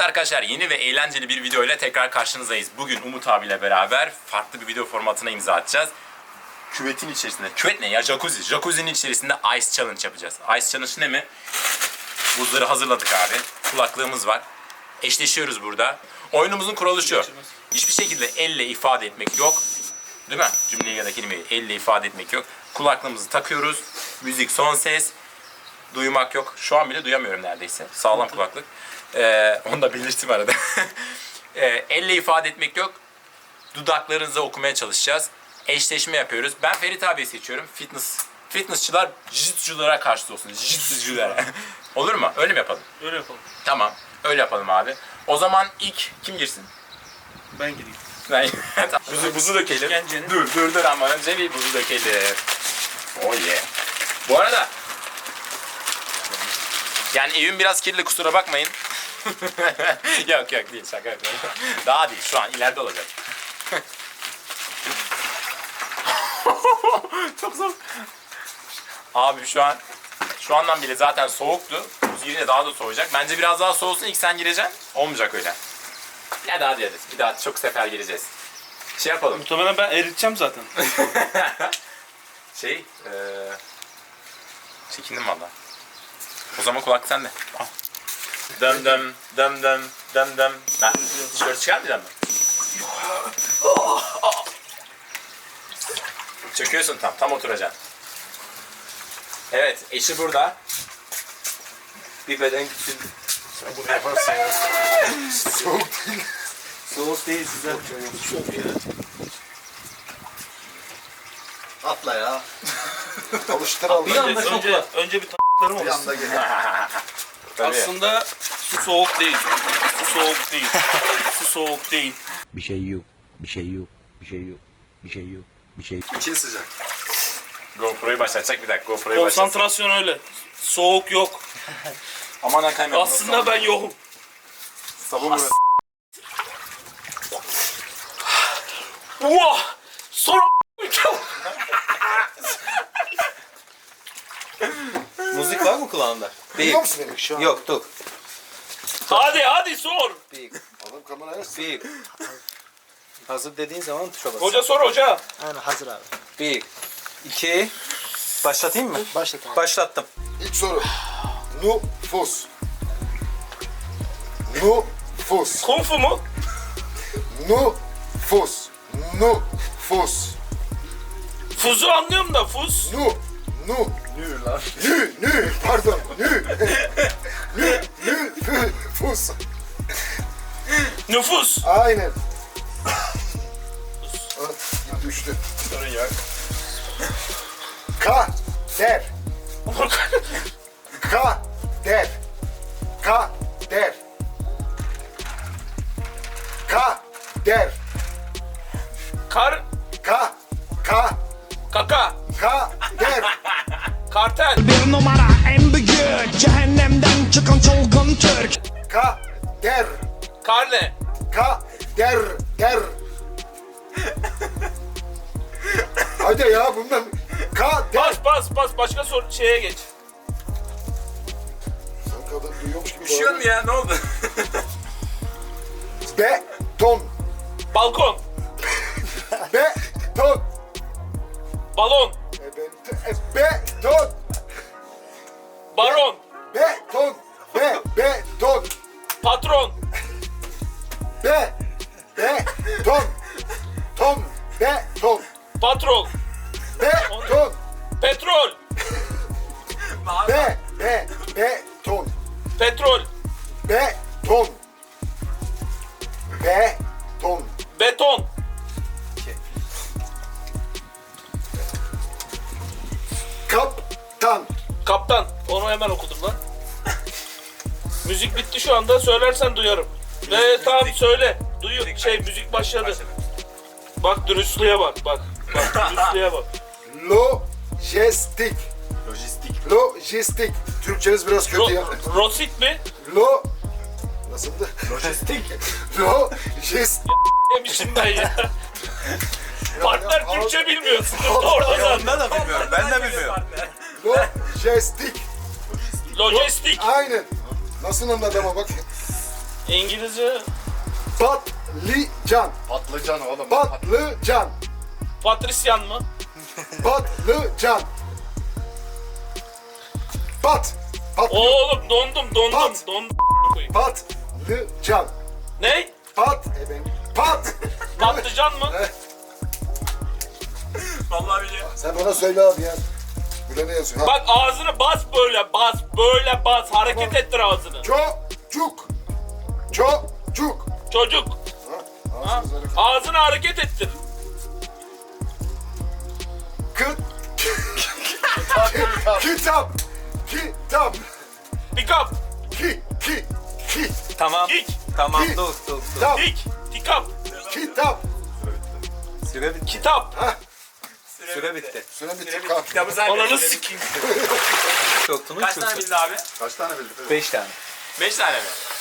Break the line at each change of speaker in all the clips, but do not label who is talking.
arkadaşlar, yeni ve eğlenceli bir video ile tekrar karşınızdayız. Bugün Umut abiyle beraber farklı bir video formatına imza atacağız. Küvetin içerisinde, küvet ne ya? Jacuzzi. Jacuzzi'nin içerisinde Ice Challenge yapacağız. Ice Challenge ne mi? Buzları hazırladık abi. Kulaklığımız var. Eşleşiyoruz burada. Oyunumuzun kuralı şu. Hiçbir şekilde elle ifade etmek yok. Değil mi? Cümleyi ya da kelimeyi elle ifade etmek yok. Kulaklığımızı takıyoruz. Müzik son ses. Duymak yok. Şu an bile duyamıyorum neredeyse. Sağlam kulaklık. Onu da belirttim arada. Elle ifade etmek yok. Dudaklarınızı okumaya çalışacağız. Eşleşme yapıyoruz. Ben Ferit abi seçiyorum. Fitnessçılar jiu-jitsu'culara karşı olsun. Jiu-jitsu'culara. Olur mu? Öyle mi yapalım?
Öyle yapalım.
Tamam. Öyle yapalım abi. O zaman ilk kim girsin?
Ben gireyim.
Ben buzu dökelim.
İşkencenin.
Dur ama önce bir buzu dökelim. Oh yeah. Bu arada yani evim biraz kirli, kusura bakmayın. yok değil, şaka yapıyorum. Daha değil, şu an ileride olacak. Çok soğuk. Abi şu andan bile zaten soğuktu. Buz girince daha da soğuyacak. Bence biraz daha soğusun, ilk sen gireceksin. Olmayacak öyle. Ya daha diyeceğiz. Bir daha çok sefer gireceğiz. Şey yapalım.
Muhtemelen ben eriteceğim zaten.
Çekindim valla. O zaman kulak sende. Al. Dım dım dım dım dım dım. Ben tişört çıkarmayacağım mı? Çöküyorsun tam oturacaksın. Evet, eşi burada. Bir beden gitsin. Sen bunu yaparsın ya. Soğuk değil.
Soğuk değil size.
Atla ya. Alıştıralım.
Bir anda önce bir t***larım
Bir
olsun.
anda geliyor.
Aslında su soğuk değil. Su soğuk değil. Su soğuk değil.
Bir şey yok. Bir şey yok. Bir şey yok. Bir şey yok. Bir şey yok.
İçin sıcak.
GoPro'yu başlatacak, bir dakika GoPro'yu başlatacak.
Konsantrasyon öyle. Soğuk yok.
Aman ha kaymak.
Aslında ben yokum.
Sabun mu?
Vah! Sonra
Müzik var mı kulağında?
Duyuyor musun beni şu an?
Yok, dur.
Hadi sor.
Adam kameraya
Bir. Hazır dediğin zaman tuşa bas.
Hoca sor hoca.
Aynen hazır abi.
1, 2, başlatayım mı?
Başlat abi.
Başlattım.
İlk soru. Nüfus. Nüfus.
Kung fu mu?
Nüfus. Nüfus.
Fuzu anlıyorum da fuz.
Pardon. Nüfus.
Nüfus.
Aynen. Düştü.
Sorun yok.
Kader. Kader. Kader. Kader.
Kar. Kaka.
Kader.
Kartel.
Bir numara en büyük cehennemden çıkan çılgın Türk.
Kader.
Karne.
Kader. Hadi ya bundan. Kader.
Pas. Başka şeye geç.
Sen kadın duyuyormuş gibi
Üşüyor mu ya? Ne oldu?
Beton.
Balkon.
Beton.
Balon.
Beton.
Baron.
Beton. Beton.
Patron.
Beton. Beton.
Patrol.
Beton.
Petrol.
Beton.
Petrol.
Beton. Beton.
Beton.
Kaptan.
Kaptan. Onu hemen okudum lan. Müzik bitti şu anda. Söylersen duyarım. Ve tamam söyle. Müzik başladı. Bak dürüstlüğe bak. Bak dürüstlüğe bak.
Lojistik. Lojistik. Türkçeniz biraz kötü ya.
Rosit mi?
Nasıldı?
Lojistik.
Lojistik.
Demişim ben ya. Partner Türkçe bilmiyorsun. Orada zaten.
Ben de bilmiyorum. Ben de bilmiyorum.
Lojistik.
Lojistik.
Aynen. Nasıl anladı ama bak.
İngilizce
Patlıcan.
Patlıcan oğlum.
Patlıcan.
Patrisyan mı?
Patlıcan.
Oğlum dondum.
Pat.
Dondum.
Patlıcan.
Ne?
Pat.
Patlıcan mı?
Vallahi biliyorum.
Sen bana söyle abi ya. Burada ne yazıyor? Ha.
Bak ağzını bas böyle bas. Böyle bas. Hareket ettir ağzını.
Çocuk.
Çocuk.
Ha? Ağzınız hareket.
Ağzını hareket ettir.
Kitap.
Pick up.
Tamam.
Kick.
Tamam
Ki-
dur.
Kitap.
Pick. Pick up.
Kitap.
Süre bitti.
Kitap.
Süre bitti.
Süre bitti. Kalk.
Kitabı sen
Ananı
de.
sikeyim.
Çoktunuz
Kaç tane bildi abi?
Kaç tane bildin?
5 tane.
5 tane mi?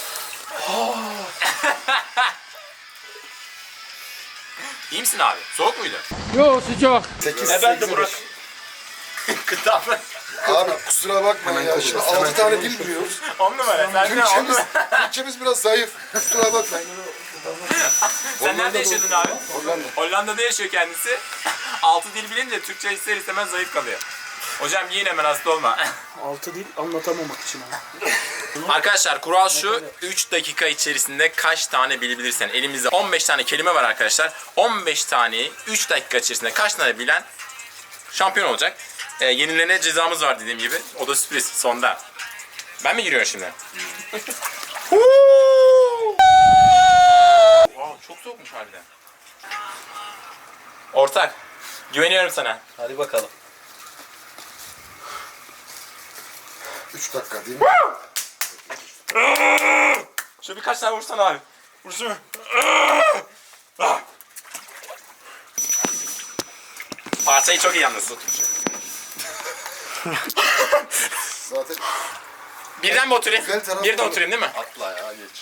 İyi misin abi? Soğuk muydu?
8,
Ben de Burak.
Kıtam.
Abi kusura bakma ya. Şimdi 6 tane dil biliyoruz.
10 numara. Sen de 10
Türkçemiz,
numara.
Türkçemiz biraz zayıf. Kusura bakma.
Sen nerede yaşadın abi?
Hollanda.
Hollanda'da yaşıyor kendisi. 6 dil bilince Türkçe ister istemez zayıf kalıyor. Hocam yiyin hemen hasta olma.
6 dil anlatamamak için abi.
Arkadaşlar kural şu. 3 dakika içerisinde kaç tane bilebilirsen. Elimizde 15 tane kelime var arkadaşlar. 15 taneyi 3 dakika içerisinde kaç tane bilen şampiyon olacak. Yenilene cezamız var dediğim gibi. O da sürpriz sonda. Ben mi giriyorum şimdi? Wow, çok soğukmuş harbiden. Ortak, güveniyorum sana.
Hadi bakalım.
3 dakika değil mi?
Şöyle birkaç tane vursana abi. Vursana. Parçayı çok iyi yalnız.
Zaten
Birden mi oturayım?
Güzel tarafı
Birden
var.
oturayım değil mi?
Atla ya geç.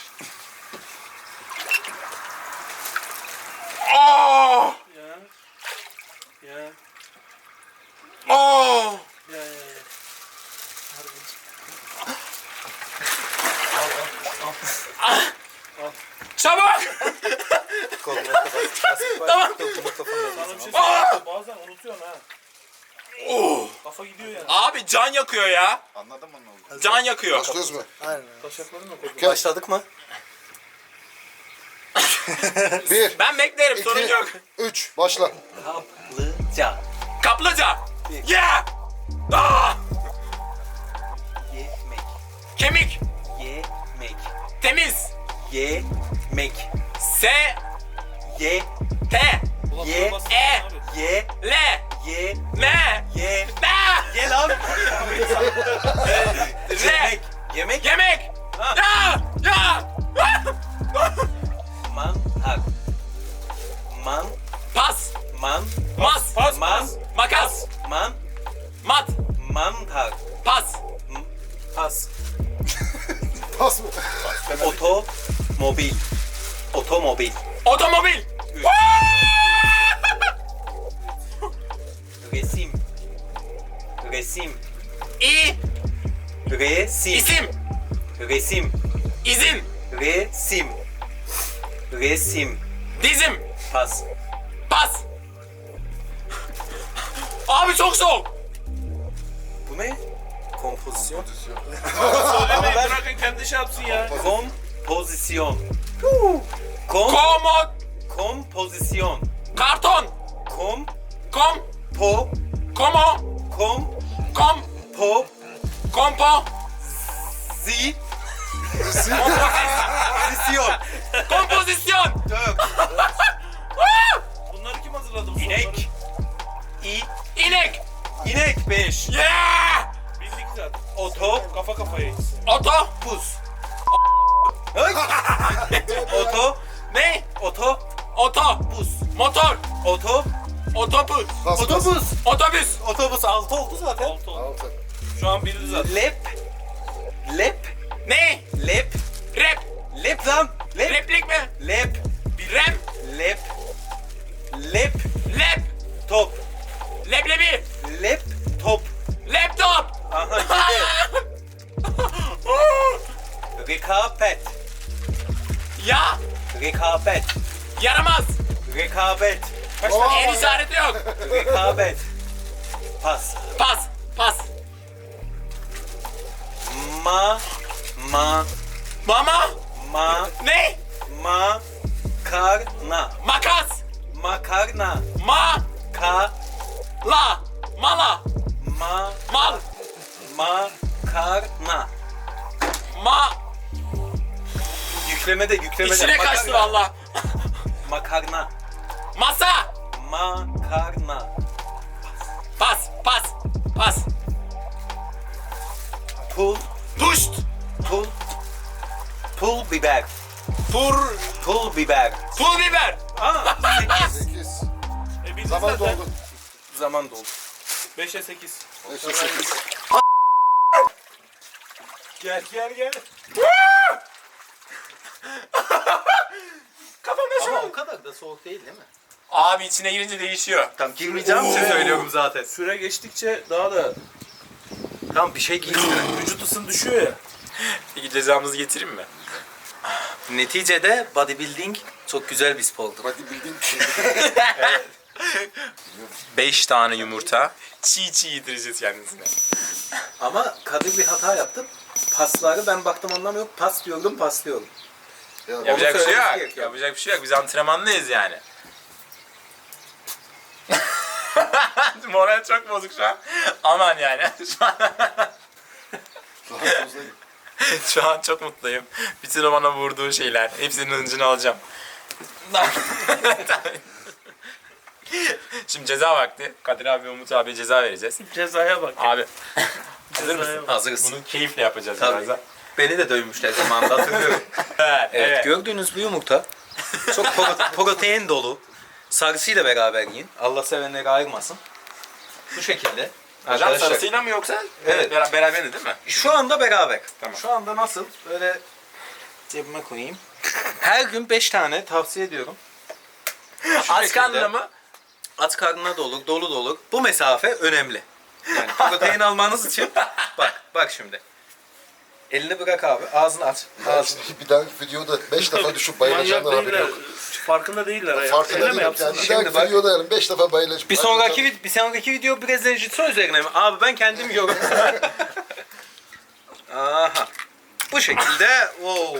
Aa!
Ya.
Aa! Çabuk!
Koluna kadar.
Tamam.
Sana bir şey
Aa!
söyleyeyim. Bazen unutuyorsun ha.
Oo!
Kafa gidiyor yani.
Abi can yakıyor ya.
Anladın mı ne oldu?
Can yakıyor.
başlıyoruz mu?
Taşaklarını da koydum.
Gel.
Başladık mı?
1,
Ben beklerim sorun
2,
yok.
3, başla.
Kaplıca.
Kaplıca. Yeah! Aa!
Yemek.
Kemik.
Yemek.
Temiz.
Yemek.
S.
Ye.
T.
Ulan
Ye.
buna basın
E.
abi.
Ye.
L.
Ye.
M.
Ye.
N.
Ye lan.
R.
Yemek.
Yemek. Ya. Ya.
Mantar.
Pas. Mas.
Pas
Man.
pas.
Makas. Mat.
Mantar.
Pas.
Pas.
Pas mı?
Otomobil. Otomobil.
Otomobil.
Resim. Resim.
İ.
Resim.
İsim.
Resim.
İzin.
Resim. Resim.
Dizim.
Pas.
Pas. Abi çok soğuk.
Bu ne? Kompozisyon.
Söylemeyin bırakın kendi şey yapsın ya.
Kompozisyon.
Komod.
Kompozisyon.
Karton.
Kom.
Kom.
Po.
Komo.
Kom.
Kom.
Po.
Kompo.
Zi.
Kompozisyon.
Kompozisyon.
Kompozisyon.
Bunları kim hazırladı bu soruları?
İnek. İ.
İnek.
İnek 5.
Yeah.
Bildik zaten.
Oto.
Kafa kafayayız.
Oto.
Pus. Oto.
Ne?
Oto.
Otobüs. Motor.
Oto.
Otobüs.
Pas, pas.
Otobüs.
Otobüs.
Otobüs 6 oldu zaten.
6 oldu.
6.
Şu an bildi zaten.
Lep. Lep.
Ne?
Lep.
Rap.
Lep lan. Lep.
Replik mi?
Lep.
Rap.
Lep. Lep.
Lap.
Top.
Leblebi.
Lep. Top.
Laptop.
Aha gitti. Rekabet. Rekabet.
Yaramaz.
Rekabet.
El işareti yok.
Rekabet. Pas.
Pas. Pas. Mama. Ne?
Makarna.
Makas.
Makarna.
Ma.
Ka.
La. Mala.
Ma.
Mal.
Makarna.
Ma.
Yüklemede.
İçine kaçtı valla.
Makarna.
Masa.
Makarna.
Pas. Pas. Pas.
Pul.
Puşt.
Pul biber. Pul biber.
Pul biber.
8.
Bildin
Zaman
zaten.
doldu.
Zaman doldu.
5'e 8.
5'e 8.
Gel.
Kafamda şu
Ama
an.
o kadar da soğuk değil mi?
Abi içine girince değişiyor.
Tam girmeyeceğim için söylüyorum zaten.
Süre geçtikçe daha da
Tam bir şey giysin.
vücut ısın düşüyor ya.
Peki cezamızı getireyim mi?
Neticede bodybuilding çok güzel bir spordur.
Hadi bildiğin bir şey.
5 tane yumurta. Çiğ yedireceğiz kendisine.
Ama Kadir bir hata yaptı. Pasları ben baktım anlamıyorum. Pas diyordum.
Yapacak bir şey
söylemesi
yok.
gerekiyor.
Yapacak bir şey yok. Biz antrenmanlıyız yani. Moral çok bozuk şu an. Aman yani. Şu an çok mutluyum. Bütün o bana vurduğu şeyler. Hepsinin hıncını alacağım. Şimdi ceza vakti. Kadir abi ve Umut abiye ceza vereceğiz.
Cezaya bak.
Abi. Hazır mısın?
Hazırız.
Bunu keyifle yapacağız
Tabii.
birazdan.
Beni de dövmüşler zamanında hatırlıyorum. Evet, gördüğünüz bu yumurta çok protein dolu. Sarısıyla beraber yiyin. Allah sevenleri ayırmasın. Bu şekilde.
Hocam sarısıyla mı yoksa?
Evet.
Beraber değil mi?
Şu anda beraber.
Tamam.
Şu anda nasıl? Böyle cebime koyayım. Her gün 5 tane tavsiye ediyorum.
Aç karnına mı?
Aç karnına da olur, dolu da olur. Bu mesafe önemli. Yani protein almanız için bak şimdi. Elini bırak abi, ağzını aç. Ağzını.
Bir dahaki videoda 5 defa düşüp bayılacağından
Manyak
haberi
değiller.
yok.
farkında değiller. ya.
Farkında
Öyle mi
değilim.
yapsın?
Yani bir
Şimdi
dahaki
bak.
videoda yani 5 defa bayılacağım.
Bir sonraki video Brezilya Jiu-Jitsu üzerine mi? Abi ben kendim yiyorum. Aha. Bu şekilde. Wow.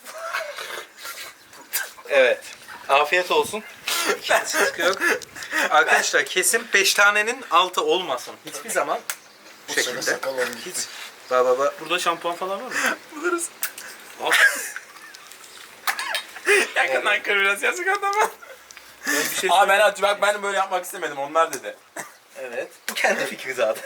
Evet. Afiyet olsun. İkincisi çıkıyor. Arkadaşlar kesin 5 tanenin altı olmasın. Hiçbir zaman bu
Sene
şekilde.
sakallarım gitti.
Baba.
Burada şampuan falan var mı?
Buluruz. Yakından kır biraz yazık adama.
Bir şey
Abi ben böyle yapmak istemedim. Onlar dedi.
Evet. Bu kendi fikri zaten.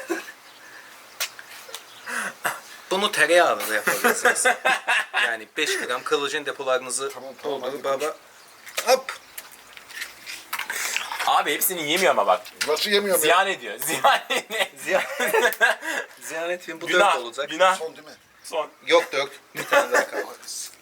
Bunu tereyağıyla da yapabilirsiniz. Yani 5 gram kolajen depolarınızı
Tamam,
doldurun
hadi
baba. Hop.
Abi hepsini yemiyor ama bak.
Nasıl yemiyorum ya?
Ziyan ediyor.
Ziyan etmeyin bu 4
Günah.
olacak.
Günah.
Son değil mi?
Son.
Yok 4. Bir tane daha kaldı.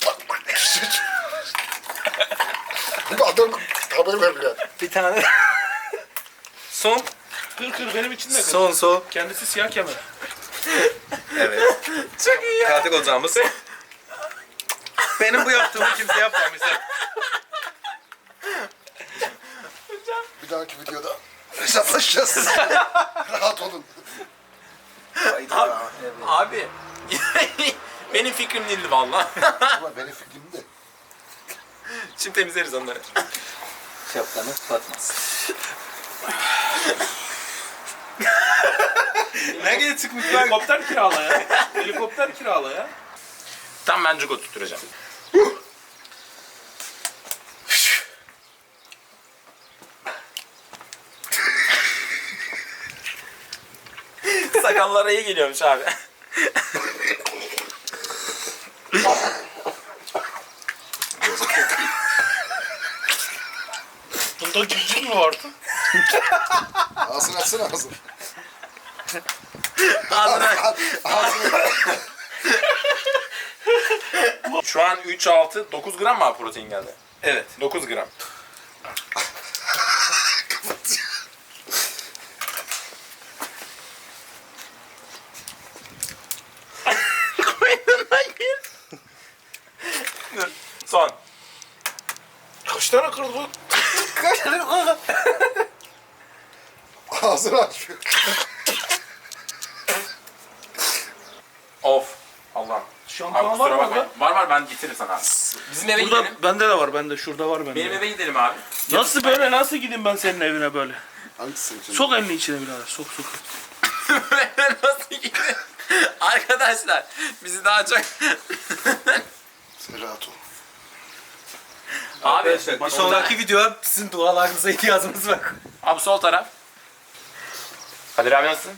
Bu adam haber veriyor.
Bir tane. Son.
Kır benim için de kır.
Son.
Kendisi siyah kemer.
Evet.
Çok iyi ya.
Katil ocağımız. Benim bu yaptığımı kimse yapmamış.
Bir dahaki videoda hesaplaşacağız. Rahat olun.
Abi. Benim fikrim değildi valla.
Ama benim fikrim de.
Şimdi temizleriz onları.
Şapkanı batmaz. Nereye çıkmışlar?
Helikopter kirala ya. Helikopter kirala ya.
Tam ben cugo tutturacağım. Sakallara iyi geliyormuş abi.
Bunda civciv mi vardı?
Ağzını açsana ağzını.
Ağzına.
Ağzını.
Şu an 3, 6, 9 gram mı abi protein geldi?
Evet.
9 gram. Koynundan gir. Dur. Son.
kırdı.
Ağzını açıyor.
Of. Allah.
Şampuan
Abi
var
kusura
mı
bakmayın. Var ben getiririm sana abi. Bizim eve
Burada
gidelim.
bende de var. Bende şurada var bende.
Benim eve gidelim abi.
Nasıl böyle? Nasıl gideyim ben senin evine böyle?
Hangisini için?
Sok elini içine birader. Sok.
Nasıl gidelim? Arkadaşlar bizi daha çok...
Selahattin.
Abi
Arkadaşlar bir sonraki videoya sizin dualarınıza ihtiyacımız var.
Abi sol taraf. Kadir abi nasılsın?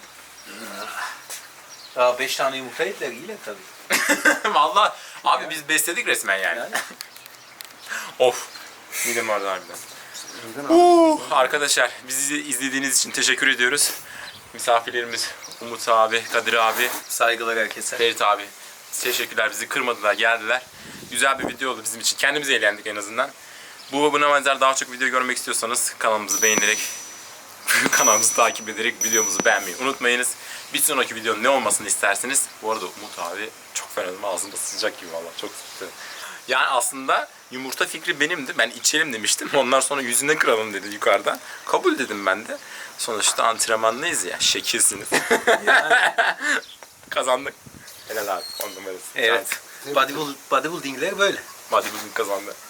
Daha 5 tane yumurta yediler iyiler tabii.
Vallahi abi biz besledik resmen yani. Of. Midem vardı harbiden. Arkadaşlar bizi izlediğiniz için teşekkür ediyoruz. Misafirlerimiz Umut abi, Kadir abi,
Saygılar herkese.
Ferit abi. Teşekkürler, bizi kırmadılar, geldiler. Güzel bir video oldu bizim için. Kendimiz eğlendik en azından. Buna benzer daha çok video görmek istiyorsanız kanalımızı beğenerek, kanalımızı takip ederek videomuzu beğenmeyi unutmayınız. Bir sonraki videonun ne olmasını isterseniz. Bu arada Umut abi çok fena, ağzımda sıcak gibi valla, çok sıktı. Yani aslında yumurta fikri benimdi. Ben içelim demiştim. Onlar sonra yüzüne kıralım dedi yukarıdan. Kabul dedim ben de. Sonuçta antrenmanlıyız ya. Şekilsiniz. Kazandık. Helal abi. 10 numarası.
Evet. Bodybuilding'ler böyle.
Bodybuilding kazandı.